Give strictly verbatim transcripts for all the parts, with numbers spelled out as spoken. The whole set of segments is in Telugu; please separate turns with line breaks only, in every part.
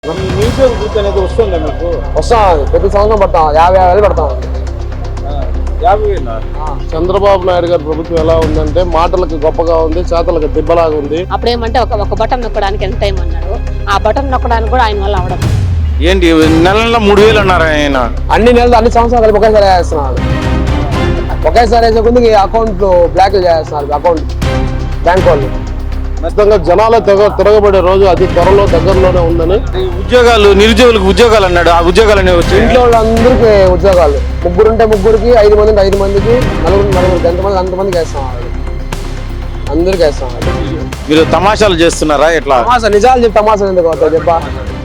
ఈ నిరుద్యోగ వృత్తి అనేది వస్తుందా మీకు?
వస్తాం, ప్రతి సంవత్సరం పడతాం, యాభై యాభై వేలు పడతాం.
యాభై వేలు.
చంద్రబాబు నాయుడు గారి ప్రభుత్వం ఎలా ఉందంటే మాటలకు గొప్పగా ఉంది, చేతలకు దిబ్బలాగా ఉంది.
అప్పుడేమంటే ఒక ఒక బటన్ నొక్కడానికి ఎంత టైం అన్నాడు, ఆ బటన్ నొక్కడానికి కూడా ఆయన వల్ల అవడం.
ఏంటి నెల నెల మూడు వేలు అన్నారు ఆయన?
అన్ని నెలలు అన్ని సంవత్సరాలు కలిపి ఒకేసారి వేస్తున్నారు. ఒకేసారి వేసే కొద్దికి అకౌంట్ బ్లాక్ చేస్తున్నారు, అకౌంట్ బ్యాంక్ వాళ్ళు.
ఖచ్చితంగా జనాల తెగ తిరగబడే రోజు అతి త్వరలో దగ్గరలోనే ఉందని.
ఉద్యోగాలు నిరుద్యోగులకు ఉద్యోగాలు అన్నాడు, ఆ ఉద్యోగాలు అనేవి వచ్చి
ఇంట్లో వాళ్ళందరికీ ఉద్యోగాలు, ముగ్గురు ఉంటే ముగ్గురికి, ఐదు మంది ఉంటే ఐదు మందికి, నలుగురు నలుగురికి, ఎంతమంది అంతమందికి వేస్తాం, అందరికి వేస్తాం.
మీరు తమాషాలు చేస్తున్నారా ఎట్లా?
తమాషా నిజాలు చెప్పి తమాషా ఎందుకు అవుతాయి చెప్పా.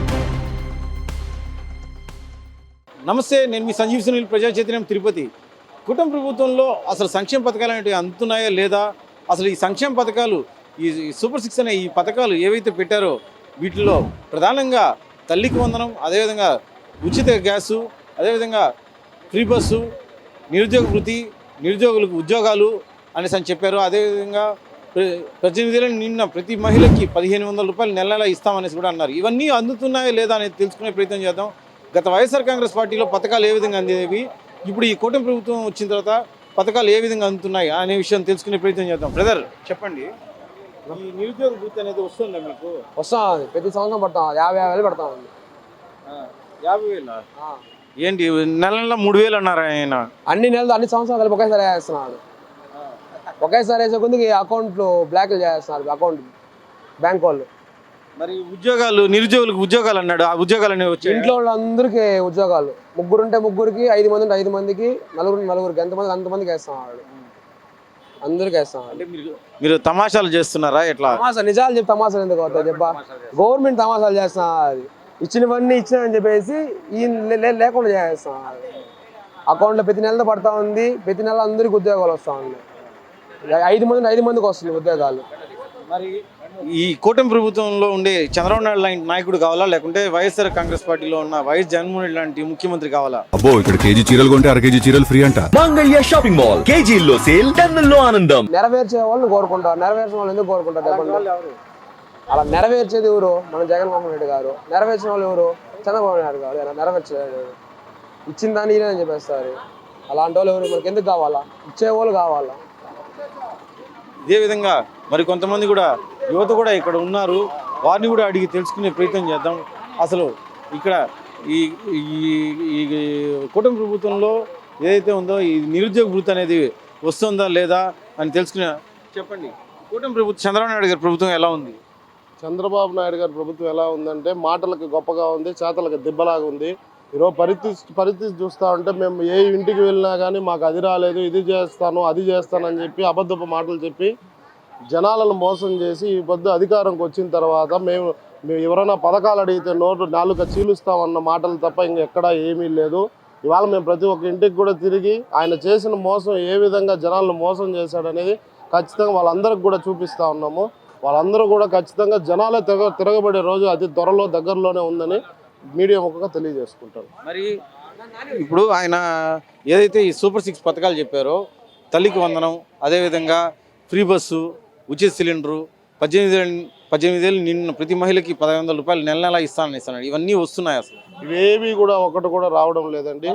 నమస్తే, నేను మీ సంజీవ్ సునీల్, ప్రజా చైతన్యం తిరుపతి. కుటుంబ ప్రభుత్వంలో అసలు సంక్షేమ పథకాలు అనేవి అందుతున్నాయా లేదా, అసలు ఈ సంక్షేమ పథకాలు, ఈ సూపర్ సిక్స్ అనే ఈ పథకాలు ఏవైతే పెట్టారో వీటిలో ప్రధానంగా తల్లికి వందనం, అదేవిధంగా ఉచిత గ్యాసు, అదేవిధంగా ఫ్రీ బస్సు, నిరుద్యోగ వృత్తి, నిరుద్యోగులకు ఉద్యోగాలు అనేసి అని చెప్పారు. అదేవిధంగా ప్రతినిధులను నిన్న ప్రతి మహిళకి పదిహేను వందల రూపాయలు నెల నెల ఇస్తామనేసి కూడా అన్నారు. ఇవన్నీ అందుతున్నాయా లేదా అనేది తెలుసుకునే ప్రయత్నం చేద్దాం. గత వైఎస్ఆర్ కాంగ్రెస్ పార్టీలో పథకాలు ఏ విధంగా అందేవి, ఇప్పుడు ఈ కూటమి ప్రభుత్వం వచ్చిన తర్వాత పథకాలు ఏ విధంగా అందుతున్నాయి అనే విషయం తెలుసుకునే ప్రయత్నం చేద్దాం. బ్రదర్ చెప్పండి, ఈ నిరుద్యోగ వృత్తి అనేది వస్తుందా మీకు?
వస్తాం, ప్రతి సంవత్సరం పడతాం, యాభై యాభై వేలు పడతాం.
యాభై వేలు. ఏంటి నెల నెల మూడు వేలు అన్నారు ఆయన?
అన్ని నెలలు అన్ని సంవత్సరాలు కలిపి ఒకేసారి వేస్తున్నాడు. ఒకేసారి వేసే కొద్దికి అకౌంట్ బ్లాక్ చేస్తున్నారు, అకౌంట్ బ్యాంక్ వాళ్ళు.
మరి ఉద్యోగాలు నిరుద్యోగులకు ఉద్యోగాలు అన్నాడు, ఆ ఉద్యోగాలు అనేవి వచ్చి
ఇంట్లో వాళ్ళందరికీ ఉద్యోగాలు, ముగ్గురు ఉంటే ముగ్గురికి, ఐదు మంది ఉంటే ఐదు మందికి, నలుగురు నలుగురికి, ఎంతమంది అంతమందికి వేస్తాం, అందరికి వేస్తాం.
అంటే మీరు మీరు తమాషాలు చేస్తున్నారా ఎట్లా?
తమాషా నిజాలు చెప్పి తమాషాలు ఎందుకు అవుతాయి చెప్పా. గవర్నమెంట్ తమాషాలు చేస్తాం, అది ఇచ్చినవన్నీ ఇచ్చినామని చెప్పేసి ఈ లేకుండా చేస్తాం. అకౌంట్లో ప్రతి నెలతో పడతా ఉంది, ప్రతి నెల అందరికి ఉద్యోగాలు వస్తూ ఉంది. ఐదు మంది ఐదు మందికి వస్తుంది ఉద్యోగాలు.
మరి ఈ కూటమి ప్రభుత్వంలో ఉండే చంద్రబాబు నాయుడు లాంటి నాయకుడు కావాలా, లేకుంటే వైఎస్ఆర్ కాంగ్రెస్ పార్టీలో ఉన్న వైఎస్ జగన్మోహన్ రెడ్డి లాంటి ముఖ్యమంత్రి కావాలా?
అబ్బో, ఇక్కడ కేజీ చీరలు కొంటే అర కేజీ చీరలు ఫ్రీ అంట.
మంగళ్య షాపింగ్ మాల్, కేజీల్లో సేల్, టన్నుల్లో ఆనందం.
నెరవేర్చే వాళ్ళని కోరుకుంటారు, నెరవేర్చిన వాళ్ళు ఎందుకు కోరుకుంటారు? అలా నెరవేర్చేది ఎవరు? మన జగన్మోహన్ రెడ్డి గారు. నెరవేర్చిన వాళ్ళు ఎవరు? చంద్రబాబు నాయుడు గారు. ఇలా నెరవేర్చలేదు, ఇచ్చిన దాన్ని ఇదే అని చెప్పేస్తారు. అలాంటి వాళ్ళు ఎవరు? మనకి ఎందుకు కావాలా? ఇచ్చేవాళ్ళు కావాలా.
ఇదే విధంగా మరి కొంతమంది కూడా యువత కూడా ఇక్కడ ఉన్నారు, వారిని కూడా అడిగి తెలుసుకునే ప్రయత్నం చేద్దాం. అసలు ఇక్కడ ఈ ఈ కూటమి ప్రభుత్వంలో ఏదైతే ఉందో ఈ నిరుద్యోగ వృత్తి అనేది వస్తుందా లేదా అని తెలుసుకునే. చెప్పండి, కూటమి ప్రభుత్వం చంద్రబాబు నాయుడు గారి ప్రభుత్వం ఎలా ఉంది?
చంద్రబాబు నాయుడు గారి ప్రభుత్వం ఎలా ఉందంటే మాటలకు గొప్పగా ఉంది, చేతలకు దిబ్బలాగా ఉంది. ఈరోజు పరిస్థితి పరిస్థితి చూస్తూ ఉంటే మేము ఏ ఇంటికి వెళ్ళినా కానీ మాకు అది రాలేదు, ఇది చేస్తాను, అది చేస్తానని చెప్పి అబద్ధపు మాటలు చెప్పి జనాలను మోసం చేసి ఈ పొద్దు అధికారంకి వచ్చిన తర్వాత మేము మేము ఎవరైనా పథకాలు అడిగితే నోటు నాలుక చీలుస్తామన్న మాటలు తప్ప ఇంకెక్కడా ఏమీ లేదు. ఇవాళ మేము ప్రతి ఒక్క ఇంటికి కూడా తిరిగి ఆయన చేసిన మోసం ఏ విధంగా జనాలను మోసం చేశాడనేది ఖచ్చితంగా వాళ్ళందరికి కూడా చూపిస్తూ ఉన్నాము. వాళ్ళందరూ కూడా ఖచ్చితంగా జనాలే తిరగ తిరగబడే రోజు అతి త్వరలో దగ్గరలోనే ఉందని మీడియా ముఖంగా తెలియజేసుకుంటారు.
మరి ఇప్పుడు ఆయన ఏదైతే ఈ సూపర్ సిక్స్ పథకాలు చెప్పారో, తల్లికి వందనం, అదేవిధంగా ఫ్రీ బస్సు, ఉచిత సిలిండరు, పద్దెనిమిది పద్దెనిమిది ఏళ్ళు నిన్న ప్రతి మహిళకి పదహైదు వందల రూపాయలు నెల నెల ఇస్తానని ఇస్తున్నాడు. ఇవన్నీ వస్తున్నాయి, అసలు
ఇవేవి కూడా ఒకటి కూడా రావడం లేదండి.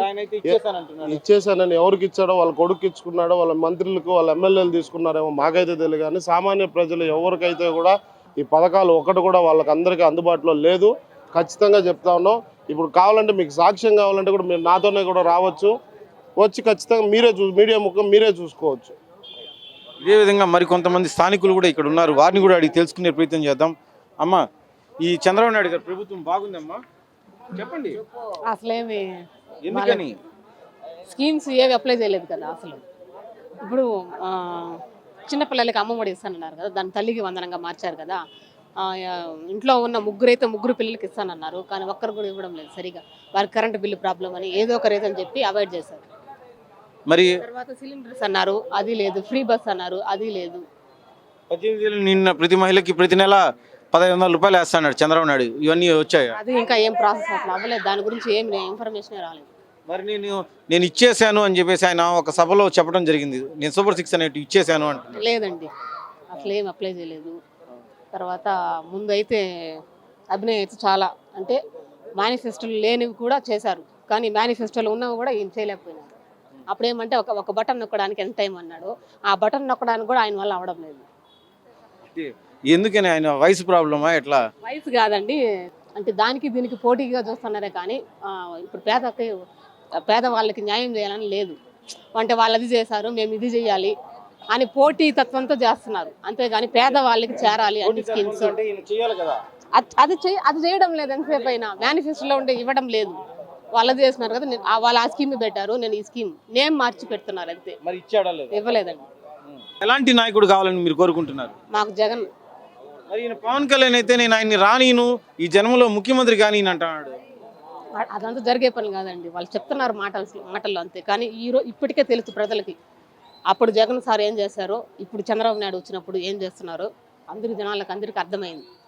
ఇచ్చేసానని ఎవరికి ఇచ్చాడో, వాళ్ళ కొడుకు ఇచ్చుకున్నాడో, వాళ్ళ మంత్రులకు వాళ్ళ ఎమ్మెల్యేలు తీసుకున్నారేమో మాకైతే తెలియదు. కానీ సామాన్య ప్రజలు ఎవరికైతే కూడా ఈ పథకాలు ఒకటి కూడా వాళ్ళకి అందరికీ అందుబాటులో లేదు. ఖచ్చితంగా చెప్తా ఉన్నాం. ఇప్పుడు కావాలంటే మీకు సాక్ష్యం కావాలంటే కూడా మీరు నాతోనే కూడా రావచ్చు, వచ్చి ఖచ్చితంగా మీరే చూ మీడియా ముఖం మీరే చూసుకోవచ్చు.
ఇదే విధంగా మరి కొంతమంది స్థానికులు కూడా ఇక్కడ ఉన్నారు, వారిని కూడా అడిగి తెలుసుకునే ప్రయత్నం చేద్దాం. అమ్మ, ఈ చంద్రబాబు నాయుడు గారి ప్రభుత్వం బాగుందమ్మా, చెప్పండి.
అసలేమి
ఎందుకని
స్కీమ్స్ ఏవి అప్లై చేయలేదు కదా. అసలు ఇప్పుడు చిన్నపిల్లలకి అమ్మఒడి ఇస్తానన్నారు కదా, దాని తల్లికి వందనంగా మార్చారు కదా. ఇంట్లో ఉన్న ముగ్గురైతే ముగ్గురు పిల్లలకి ఇస్తానన్నారు, కానీ ఒక్కరు కూడా ఇవ్వడం లేదు సరిగా. వారికి కరెంటు బిల్లు ప్రాబ్లం అని ఏదో ఒక రీజన్ చెప్పి అవాయిడ్ చేశారు.
మరి
తర్వాత సిలిండర్స్ అన్నారు, అది లేదు. ఫ్రీ బస్ అన్నారు, అది లేదు.
పద్దెనిమిది ఏళ్ళు నిన్న ప్రతి మహిళకి ప్రతి నెల పదహైదు వందల రూపాయలు వేస్తాడు చంద్రబాబు నాయుడు. ఇవన్నీ వచ్చాయి,
అది ఇంకా ఏం ప్రాసెస్ అసలు అవ్వలేదు. దాని గురించి ఏం ఇన్ఫర్మేషన్ రాలేదు.
మరి నేను నేను ఇచ్చేసాను అని చెప్పేసి ఆయన ఒక సభలో చెప్పడం జరిగింది, నేను సూపర్ సిక్స్ అనేవి ఇచ్చేసాను అంటే.
లేదండి, అసలు ఏం అప్లై చేయలేదు. తర్వాత ముందు అయితే అభినయ్ అయితే చాలా అంటే మేనిఫెస్టోలు లేనివి కూడా చేశారు, కానీ మేనిఫెస్టోలు ఉన్నవి కూడా ఈయన చేయలేకపోయినారు. అప్పుడేమంటే ఒక ఒక బటన్ నొక్కడానికి ఎంత టైం అన్నాడు, ఆ బటన్ నొక్కడానికి కూడా ఆయన వల్ల అవడం లేదు.
ఎందుకని ఆయన వయసు ప్రాబ్లమా ఎట్లా?
వయసు కాదండి, అంటే దానికి దీనికి పోటీగా చూస్తున్నారే కానీ ఆ, ఇప్పుడు పేదకి పేదవాళ్ళకి న్యాయం చేయాలని లేదు. అంటే వాళ్ళు అది చేశారు మేము ఇది చేయాలి అని పోటీ తత్వంతో చేస్తున్నారు, అంతేగాని పేదవాళ్ళకి చేరాలి అన్ని స్కీమ్స్
అంటే ఈయన చేయాలి కదా.
అది అది చేయ అది చేయడం లేదు. ఎంతసేపు అయినా మేనిఫెస్టోలో ఉంటే ఇవ్వడం లేదు. వాళ్ళు చేస్తున్నారు కదా, నేను- ఆ వాళ్ళు ఆ స్కీమ్ పెట్టారు, నేను ఈ స్కీమ్ నేమ్ మార్చి పెడుతున్నారు అంతే,
మరి ఇచ్చాడా లేదా?
ఇవ్వలేదండి.
ఎలాంటి నాయకుడు కావాలని మీరు కోరుకుంటున్నారు?
మాకు జగన్.
మరి ఈయన పవన్ కళ్యాణ్ అయితే నేను ఆయన్ని రానీను, ఈ జన్మలో ముఖ్యమంత్రి కానీ అంటున్నాడు.
అ- అదంతా జరిగే పని కాదండి, వాళ్ళు చెప్తున్నారు మాటలు మాటల్లో అంతే. కానీ ఈ రోజు ఇప్పటికే తెలుసు ప్రజలకి, అప్పుడు జగన్ సార్ ఏం చేశారో ఇప్పుడు చంద్రబాబు నాయుడు వచ్చినప్పుడు ఏం చేస్తున్నారో అందరి జనాలకు అందరికీ అర్థమైంది.